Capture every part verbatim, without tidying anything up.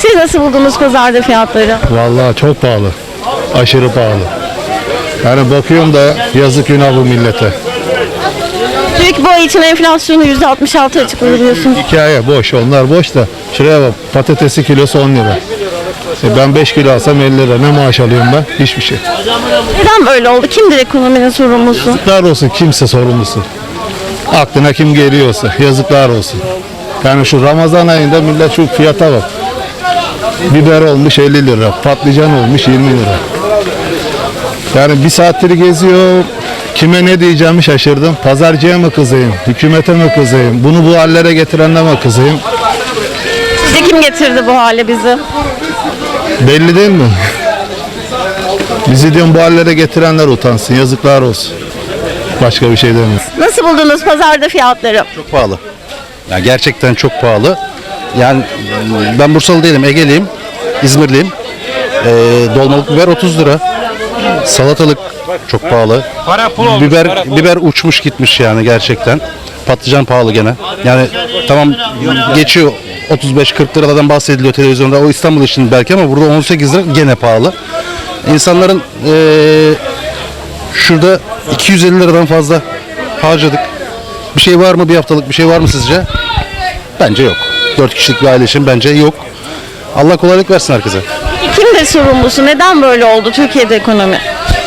Siz nasıl buldunuz pazarda fiyatları? Vallahi çok pahalı. Aşırı pahalı. Yani bakıyorum da yazık günah bu millete. TÜİK bu ay için enflasyonu yüzde altmış altı açıkladı biliyorsunuz. Hikaye boş. Onlar boş da. Şuraya bak. Patatesi kilosu on lira. E ben beş kilo alsam elli lira. Ne maaş alıyorum ben? Hiçbir şey. Neden böyle oldu? Kimdir ekonominin sorumlusu? Yazıklar olsun. Kimse sorumlusu. Aklına kim geliyorsa. Yazıklar olsun. Yani şu Ramazan ayında millet şu fiyata bak. Biber olmuş elli lira. Patlıcan olmuş yirmi lira. Yani bir saattir geziyor. Kime ne diyeceğimi şaşırdım. Pazarcıya mı kızayım? Hükümete mi kızayım? Bunu bu hallere getirenle mi kızayım? Sizce kim getirdi bu hale bizi? Belli değil mi? Bizi diyorum bu hallere getirenler utansın. Yazıklar olsun. Başka bir şey demiyorum. Nasıl buldunuz pazarda fiyatları? Çok pahalı. Yani gerçekten çok pahalı. Yani ben Bursalı değilim, Ege'liyim, İzmirliyim. Ee, dolmalık biber otuz lira. Salatalık çok pahalı. Biber biber uçmuş gitmiş yani gerçekten. Patlıcan pahalı gene. Yani tamam geçiyor otuz beş kırk liradan bahsediliyor televizyonda. O İstanbul için belki ama burada on sekiz lira gene pahalı. İnsanların ee, şurada iki yüz elli liradan fazla harcadık. Bir şey var mı? Bir haftalık bir şey var mı sizce? Bence yok. Dört kişilik bir aile için bence yok. Allah kolaylık versin herkese. Peki kimdir sorumlusu? Neden böyle oldu Türkiye'de ekonomi?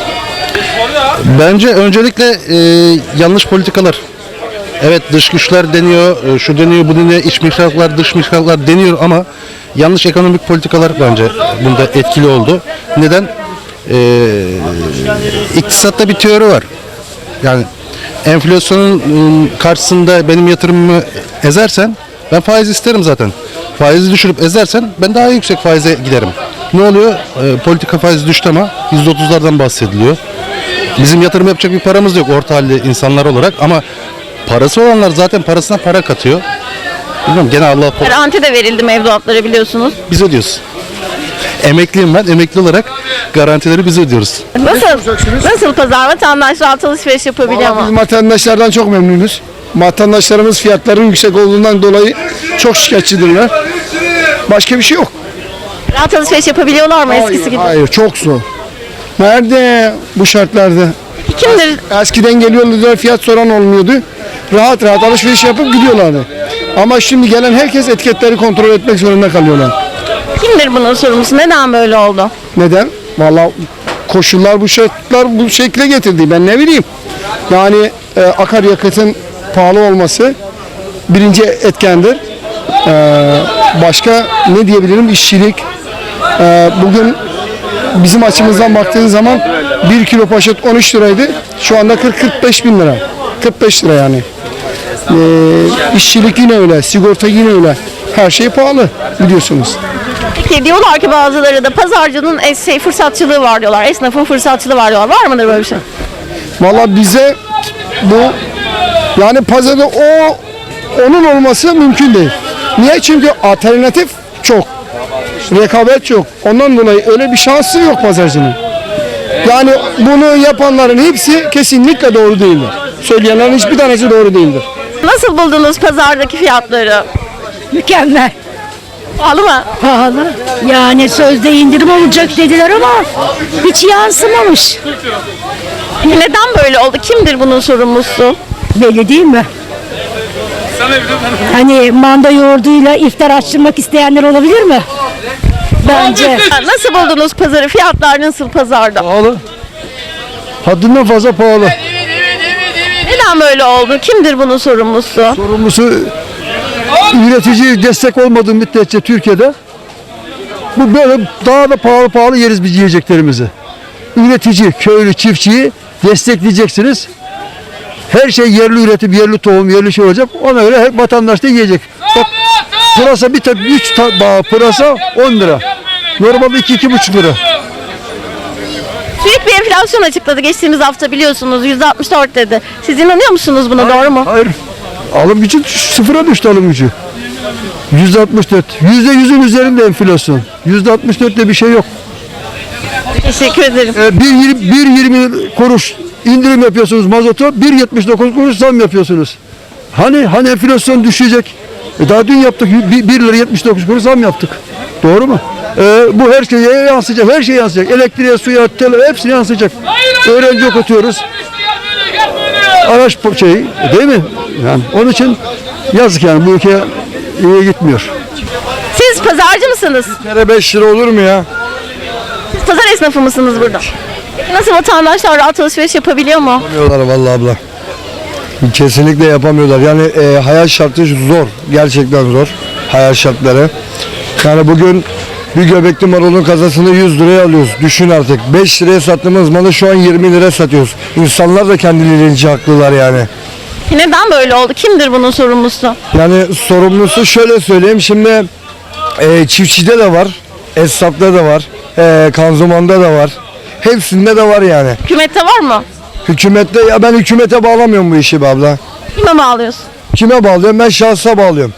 Bence öncelikle e, yanlış politikalar. Evet dış güçler deniyor, e, şu deniyor, bu deniyor, iç mihraklar, dış mihraklar deniyor ama yanlış ekonomik politikalar bence bunda etkili oldu. Neden? E, iktisatta bir teori var. Yani enflasyonun ıı, karşısında benim yatırımımı ezersen ben faiz isterim zaten. Faizi düşürüp ezersen ben daha yüksek faize giderim. Ne oluyor? E, politika faizi düştü ama yüzde otuzlardan bahsediliyor. Bizim yatırım yapacak bir paramız yok orta halli insanlar olarak ama parası olanlar zaten parasına para katıyor. Bilmiyorum gene Allah Garanti de verildi mevduatlara biliyorsunuz. biz ödüyoruz. Emekliyim ben. Emekli olarak garantileri biz ödüyoruz. Nasıl? Nasıl pazar? Vatandaş rahat alışveriş yapabiliyor Biz mu? vatandaşlardan çok memnunuz. Vatandaşlarımız fiyatların yüksek olduğundan dolayı çok şikayetçidirler. Başka bir şey yok. Rahat alışveriş yapabiliyorlar mı eskisi gibi? Hayır, çok zor. Nerede bu şartlarda? Kimdir? Eskiden geliyorlardı, fiyat soran olmuyordu. Rahat rahat alışveriş yapıp gidiyorlardı. Ama şimdi gelen herkes etiketleri kontrol etmek zorunda kalıyorlar. Kimdir bunun sorumlusu? Neden böyle oldu? Neden? Vallahi koşullar bu şartlar bu şekle getirdi. Ben ne bileyim. Yani e, akaryakıtın pahalı olması birinci etkendir. E, başka ne diyebilirim? İşçilik. E, bugün bizim açımızdan baktığın zaman bir kilo poşet on üç liraydı. Şu anda kırk kırk beş bin lira. kırk beş lira yani. E, işçilik yine öyle. Sigorta yine öyle. Her şey pahalı biliyorsunuz. Peki diyorlar ki bazıları da pazarcının es- şey, fırsatçılığı var diyorlar. Esnafın fırsatçılığı var diyorlar. Var mıdır böyle bir şey? Valla bize bu yani pazarda o onun olması mümkün değil. Niye? Çünkü alternatif çok. Rekabet çok. Ondan dolayı öyle bir şansı yok pazarcının. Yani bunu yapanların hepsi kesinlikle doğru değildir. Söyleyenlerin hiçbir tanesi doğru değildir. Nasıl buldunuz pazardaki fiyatları? Mükemmel. Pahalı mı? Pahalı. Yani sözde indirim olacak dediler ama hiç yansımamış. Neden böyle oldu? Kimdir bunun sorumlusu? Belli değil mi? Hani manda yoğurduyla iftar açtırmak isteyenler olabilir mi? Bence. Nasıl buldunuz pazarı? Fiyatlar nasıl pazarda? Pahalı. Haddinden fazla pahalı. Neden böyle oldu? Kimdir bunun sorumlusu? Sorumlusu üretici destek olmadığı müddetçe Türkiye'de bu böyle daha da pahalı pahalı yeriz biz yiyeceklerimizi. Üretici, köylü, çiftçiyi destekleyeceksiniz. Her şey yerli üretim, yerli tohum, yerli şey olacak. Ona göre hep vatandaş da yiyecek. Bak pırasa bir tek üç bağ pırasa on lira. Normalde iki iki buçuk lira. TÜİK bir enflasyon açıkladı geçtiğimiz hafta biliyorsunuz yüzde altmış dört dedi. Siz inanıyor musunuz buna doğru mu? Hayır. Alım gücü sıfıra düştü alım gücü. yüzde altmış dört. yüzde yüzün üzerinde enflasyon. yüzde altmış dörtte bir şey yok. Teşekkür ederim. Ee, bir yirmi kuruş indirim yapıyorsunuz mazota, bir yetmiş dokuz kuruş zam yapıyorsunuz. Hani hani enflasyon düşecek? E daha dün yaptık, bir lira yetmiş dokuz kuruş zam yaptık. Doğru mu? Ee, bu her şeye yansıyacak, her şeye yansıyacak. Elektriğe, suya, tele, hepsine yansıyacak. Öğrenci okutuyoruz. Araç şey, değil mi? Yani onun için yazık yani bu ülke iyi gitmiyor. Siz pazarcı mısınız? Kere beş lira olur mu ya? Siz pazar esnafı mısınız burada? Peki nasıl, vatandaşlar rahat alışveriş yapabiliyor mu? Yapamıyorlar vallahi abla. Kesinlikle yapamıyorlar. Yani e, hayat şartı zor. Gerçekten zor. Hayat şartları. Yani bugün bir göbekli marulun kasasını yüz liraya alıyoruz. Düşün artık. beş liraya sattığımız malı şu an yirmi liraya satıyoruz. İnsanlar da kendilerince haklılar yani. Neden böyle oldu? Kimdir bunun sorumlusu? Yani sorumlusu şöyle söyleyeyim. Şimdi e, çiftçide de var. Esnafta da var. E, kanzumanda da var. Hepsinde de var yani. Hükümette var mı? Hükümette, ya ben hükümete bağlamıyorum bu işi be abla. Kime bağlıyorsun? Kime bağlıyorum? Ben şahsa bağlıyorum.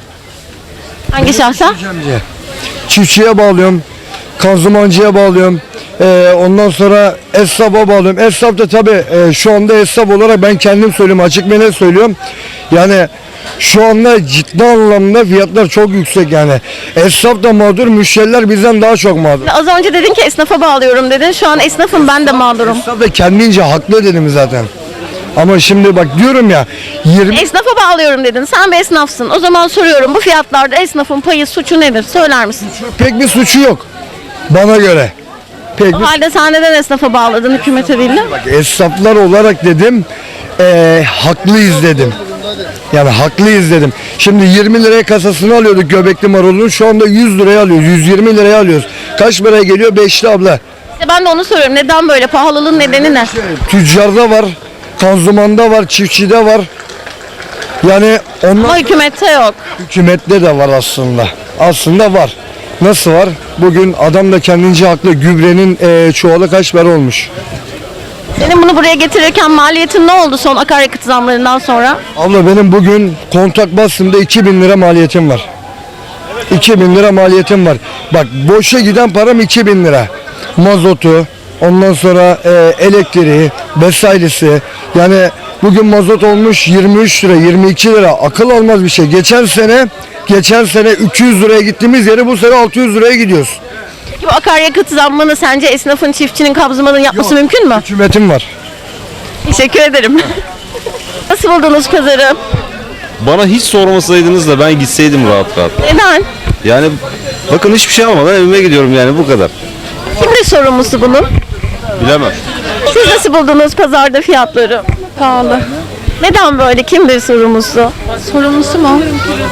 Hangi şahsa? Çiftçiye bağlıyorum. Kanzumancıya bağlıyorum. Ee, ondan sonra esnafa bağlıyorum. Esnaf da tabii e, şu anda esnaf olarak ben kendim söylüyorum. Açık ve net söylüyorum. Yani şu anda ciddi anlamda fiyatlar çok yüksek yani. Esnaf da mağdur, müşteriler bizden daha çok mağdur. Az önce dedin ki esnafa bağlıyorum dedin. Şu an esnafım, ben de mağdurum. Esnaf da kendince haklı dedim zaten. Ama şimdi bak diyorum ya yirmi Esnafa bağlıyorum dedin. Sen bir esnafsın. O zaman soruyorum, bu fiyatlarda esnafın payı, suçu nedir? Söyler misin? pek bir suçu yok bana göre. Pek O bir halde sen neden esnafa bağladın, hükümete değil de? esnaflar olarak dedim eee haklıyız dedim. Yani haklıyız dedim. Şimdi yirmi liraya kasasını alıyorduk göbekli marulun. Şu anda yüz liraya alıyoruz. yüz yirmi liraya alıyoruz. Kaç paraya geliyor? beşli abla. İşte ben de onu soruyorum. Neden böyle? Pahalılığın nedeni ne? Tüccarda var. Kanzumanda var. Çiftçide var. Yani onlar Ama hükümette yok. hükümette de var aslında. Aslında var. Nasıl var? Bugün adam da kendince haklı. Gübrenin eee, çuvalı kaç para olmuş? Senin bunu buraya getirirken maliyetin ne oldu son akaryakıt zamlarından sonra? Abla benim bugün kontak bastığımda iki bin lira maliyetim var. iki bin lira maliyetim var. Bak boşa giden param iki bin lira. Mazotu, ondan sonra e, elektriği, vesairesi. Yani bugün mazot olmuş yirmi üç lira, yirmi iki lira. Akıl almaz bir şey. Geçen sene geçen sene üç yüz liraya gittiğimiz yere bu sene altı yüz liraya gidiyoruz. Peki bu akaryakıt zammını sence esnafın, çiftçinin, kabzımanın yapması mümkün mü? Hükümetim var. Teşekkür ederim. Nasıl buldunuz pazarı? Bana hiç sormasaydınız da ben gitseydim rahat rahat. Neden? Yani bakın hiçbir şey almadan evime gidiyorum yani bu kadar. Kimdir sorumlusu bunun? Bilemem. Siz nasıl buldunuz pazarda fiyatları? Pahalı. Neden böyle? Kimdir sorumlusu? Sorumlusu mu?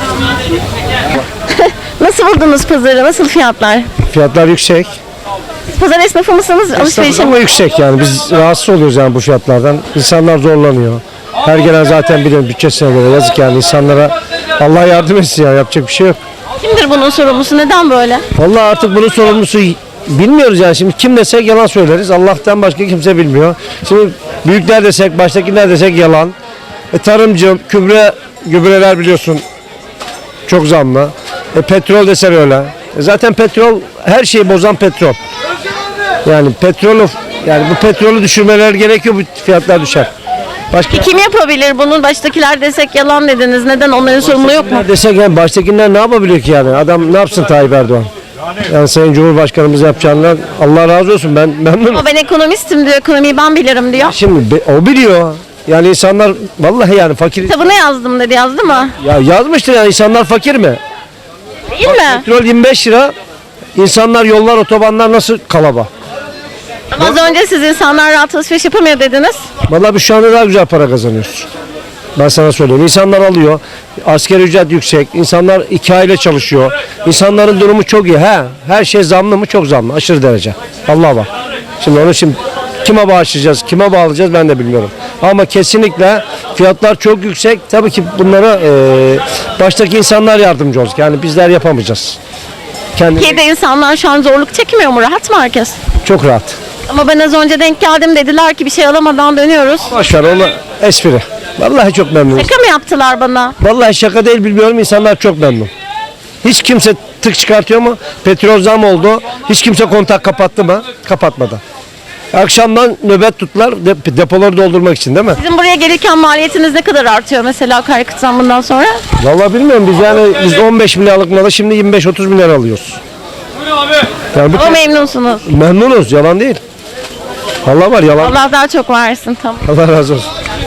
Nasıl buldunuz pazarı? Nasıl fiyatlar? Fiyatlar yüksek. Pazar esnafı mısınız? Alışverişe Ama mi? yüksek yani biz rahatsız oluyoruz yani bu fiyatlardan. İnsanlar zorlanıyor. Her gelen zaten biliyorum bütçesine göre yazık yani insanlara Allah yardım etsin ya yapacak bir şey yok. Kimdir bunun sorumlusu? Neden böyle? Vallahi artık bunun sorumlusu bilmiyoruz yani şimdi kim desek yalan söyleriz. Allah'tan başka kimse bilmiyor. Şimdi büyükler desek baştakiler desek yalan. E, tarımcı, gübre, gübreler biliyorsun çok zamlı. E, petrol desen öyle. E, zaten petrol her şeyi bozan petrol. Yani petrolü yani bu petrolü düşürmeler gerekiyor bu fiyatlar düşer. Başka Kim yapabilir bunu? Baştakiler desek yalan dediniz. Neden? Onların sorumluluğu yok mu? desek yani baştakiler ne yapabiliyor ki yani? Adam ne yapsın Tayyip Erdoğan? Yani Sayın Cumhurbaşkanımız yapacağından Allah razı olsun ben memnunum. Ama ben ekonomistim diyor. Ekonomiyi ben bilirim diyor. Şimdi be- o biliyor. Yani insanlar vallahi yani fakir. Kitabını yazdım dedi. Yazdı mı? Ya yazmıştır yani insanlar fakir mi? Değil mi? Petrol yirmi beş lira. İnsanlar yollar otobanlar nasıl kalaba? Ama az önce siz insanlar rahat alışveriş yapamıyor dediniz. Vallahi biz şu anda daha güzel para kazanıyoruz. Ben sana söyleyeyim. İnsanlar alıyor. Asgari ücret yüksek. İnsanlar iki aile çalışıyor. İnsanların durumu çok iyi. He, her şey zamlı mı? Çok zamlı. Aşırı derece. Vallahi bak. Şimdi onu şimdi kime bağışlayacağız, kime bağlayacağız ben de bilmiyorum. Ama kesinlikle fiyatlar çok yüksek. Tabii ki bunlara e, baştaki insanlar yardımcı olacak. Yani bizler yapamayacağız. Kendi Türkiye'de insanlar şu an zorluk çekmiyor mu? Rahat mı herkes? çok rahat. Ama ben az önce denk geldim, dediler ki bir şey alamadan dönüyoruz. Boş ver onu espri. Vallahi çok memnunum. Şaka mı yaptılar bana? Vallahi şaka değil bilmiyorum insanlar çok memnun. Hiç kimse tık çıkartıyor mu? Petrol zam oldu. Hiç kimse kontak kapattı mı? Kapatmadı. Akşamdan nöbet tuttular dep- depoları doldurmak için değil mi? Sizin buraya gelirken maliyetiniz ne kadar artıyor mesela akaryakıt zammından sonra? Vallahi bilmiyorum biz yani biz on beş milyarlık malı şimdi yirmi beş otuz milyar alıyoruz. Yani bu Ama memnunsunuz. memnunuz, yalan değil. Allah var, yalan. Allah daha çok versin, tamam. Allah razı olsun.